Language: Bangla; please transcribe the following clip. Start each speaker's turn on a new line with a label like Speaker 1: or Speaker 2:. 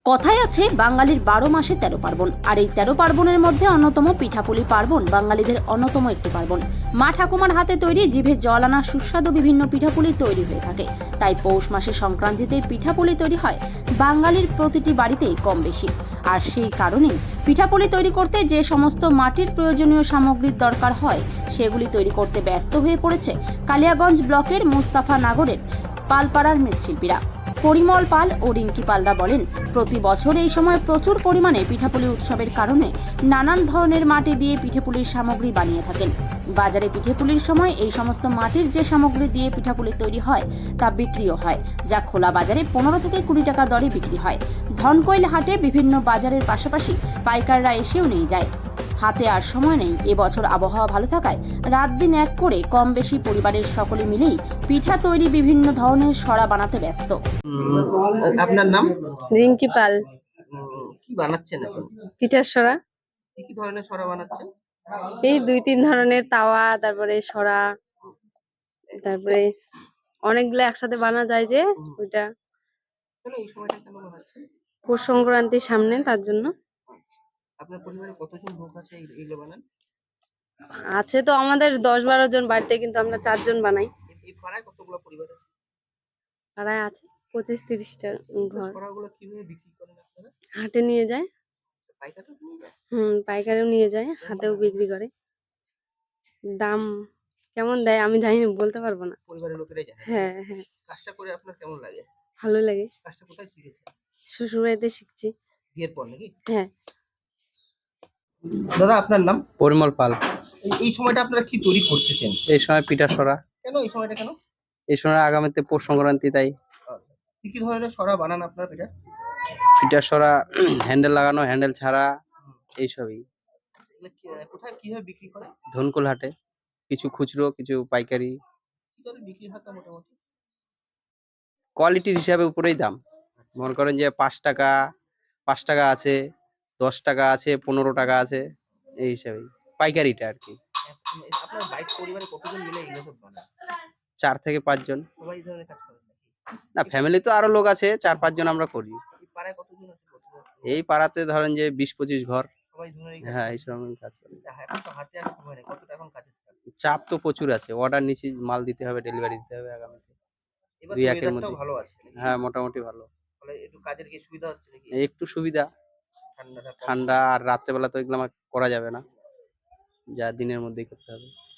Speaker 1: কথায় আছে বাঙালির ১২ মাসে ১৩ পার্বণ, আর এই ১৩ পার্বণের মধ্যে অন্যতম পিঠাপুলি পার্বণ বাঙালিদের অন্যতম একটি পার্বণ। মা ঠাকুমার হাতে তৈরি জিভে জল আনা সুস্বাদু বিভিন্ন পিঠাপুলি তৈরি হয়ে থাকে। তাই পৌষ মাসে সংক্রান্তিতে পিঠাপুলি তৈরি হয় বাঙালির প্রতিটি বাড়িতেই কম বেশি। আর সেই কারণেই পিঠাপুলি তৈরি করতে যে সমস্ত মাটির প্রয়োজনীয় সামগ্রীর দরকার হয় সেগুলি তৈরি করতে ব্যস্ত হয়ে পড়েছে কালিয়াগঞ্জ ব্লকের মুস্তাফা নগরের পালপাড়ার মৃৎশিল্পীরা। পরিমল পাল ও রিঙ্কি পালরা বলেন, প্রতি বছর এই সময় প্রচুর পরিমাণে পিঠাপুলি উৎসবের কারণে নানান ধরনের মাটি দিয়ে পিঠেপুলির সামগ্রী বানিয়ে থাকেন। বাজারে পিঠেপুলির সময় এই সমস্ত মাটির যে সামগ্রী দিয়ে পিঠাপুলি তৈরি হয় তা বিক্রিও হয়, যা খোলা বাজারে 15 থেকে 20 টাকা দরে বিক্রি হয়। ধনকৈল হাটে বিভিন্ন বাজারের পাশাপাশি পাইকাররা এসেও নিয়ে যায়। হাতে আর সময় নেই। এবছর আবহাওয়া ভালো থাকায় রাত দিন এক করে কম বেশি পরিবারের সকলে মিলেই পিঠা তৈরি বিভিন্ন ধরনের সরা বানাতে ব্যস্ত।
Speaker 2: আপনার নাম?
Speaker 3: রিঙ্কি পাল।
Speaker 2: কি বানাচ্ছেন এখন?
Speaker 3: পিঠার সরা।
Speaker 2: কি ধরনের সরা বানাচ্ছেন?
Speaker 3: এই 2-3 ধরনের তাওয়া, তারপরে সরা, তারপরে অনেকগুলো একসাথে বানা যায় যে ওইটা।
Speaker 2: কেন এই সময়টা কেন বানাচ্ছেন?
Speaker 3: পৌষ সংক্রান্তির সামনে, তার জন্য।
Speaker 2: আপনার পরিবারে কতজন লোক আছে এইগুলো বানান?
Speaker 3: আছে তো আমাদের 10-12 জন বাড়িতে, কিন্তু আমরা 4 জন বানাই।
Speaker 2: এই পাড়ায় কতগুলো পরিবার আছে?
Speaker 3: পাড়ায় আছে 25-30টা
Speaker 2: এই
Speaker 3: ঘর।
Speaker 2: সরাগুলো কিভাবে বিক্রি করেন আপনারা?
Speaker 3: হাটে নিয়ে যায়।
Speaker 2: পাইকাররা নিয়ে যায়?
Speaker 3: পাইকারেও নিয়ে যায়, হাতেও বিক্রি করে। দাম কেমন দেয় আমি জানি না, বলতে পারবো না।
Speaker 2: পরিবারের লোকেরাই জানে।
Speaker 3: হ্যাঁ, হ্যাঁ।
Speaker 2: কাজটা করে আপনার কেমন লাগে?
Speaker 3: ভালো লাগে।
Speaker 2: কাজটা কোথায় শিখেছেন?
Speaker 3: শ্বশুর বাড়িতে শিখছি।
Speaker 2: বিয়ের পর নাকি?
Speaker 3: হ্যাঁ।
Speaker 2: দাদা আপনার নাম?
Speaker 4: পরিমল পাল।
Speaker 2: এই সময়টা আপনারা কি তৈরি করতেছেন?
Speaker 4: এই সময় পিঠা সরা।
Speaker 2: কেন এই সময়টা কেন?
Speaker 4: এই সময় আগামীতে পৌষ সংক্রান্তি, তাই
Speaker 2: কি কি ধরনের সরা বানান আপনারা এটা?
Speaker 4: পিঠা সরা, হ্যান্ডেল লাগানো, হ্যান্ডেল ছাড়া, এইসবই।
Speaker 2: এগুলো কোথায় কিভাবে বিক্রি করে?
Speaker 4: ধনকুল হাটে, কিছু খুচরো, কিছু পাইকারি।
Speaker 2: কি দরে বিক্রি হয় তা মোটামুটি?
Speaker 4: কোয়ালিটির হিসাবে উপরেই দাম। মনে করেন যে 5 টাকা, 5 টাকা আছে, 10 টাকা আছে, 15 টাকা আছে, এই হিসাবেই পাইকারিটা আর কি।
Speaker 2: আপনার বাইক পরিবারে কতজন মিলে এগুলো সব বানান?
Speaker 4: 4 থেকে 5 জন।
Speaker 2: সবাই এই ধরনের কাজ করেন নাকি?
Speaker 4: না, ফ্যামিলি তো আরো লোক আছে, 4-5 জন আমরা করি।
Speaker 2: এই পাড়ায় কতজন আছে বর্তমানে?
Speaker 4: এই পাড়াতে ধরেন যে 20-25 ঘর।
Speaker 2: সবাই ধরনের এই কাজ
Speaker 4: হ্যাঁ,
Speaker 2: করে?
Speaker 4: এইসব কাজ করি।
Speaker 2: এখন তো হাতে আর সময় নেই, কতটা এখন কাজের চাপ?
Speaker 4: চাপ তো প্রচুর আছে। অর্ডার নিছি, মাল দিতে হবে, ডেলিভারি দিতে হবে আগামীতে।
Speaker 2: এবার তো
Speaker 4: 2-1 এর
Speaker 2: ওয়েদারটাও
Speaker 4: মধ্যে।
Speaker 2: ভালো আছে নাকি?
Speaker 4: হ্যাঁ, মোটামুটি ভালো।
Speaker 2: ফলে একটু কাজের কি সুবিধা হচ্ছে নাকি?
Speaker 4: একটু সুবিধা।
Speaker 2: ঠান্ডাটা কম
Speaker 4: ঠান্ডা আর রাত্রেবেলা তো এগুলো আমার করা যাবে না, যা দিনের মধ্যেই করতে হবে।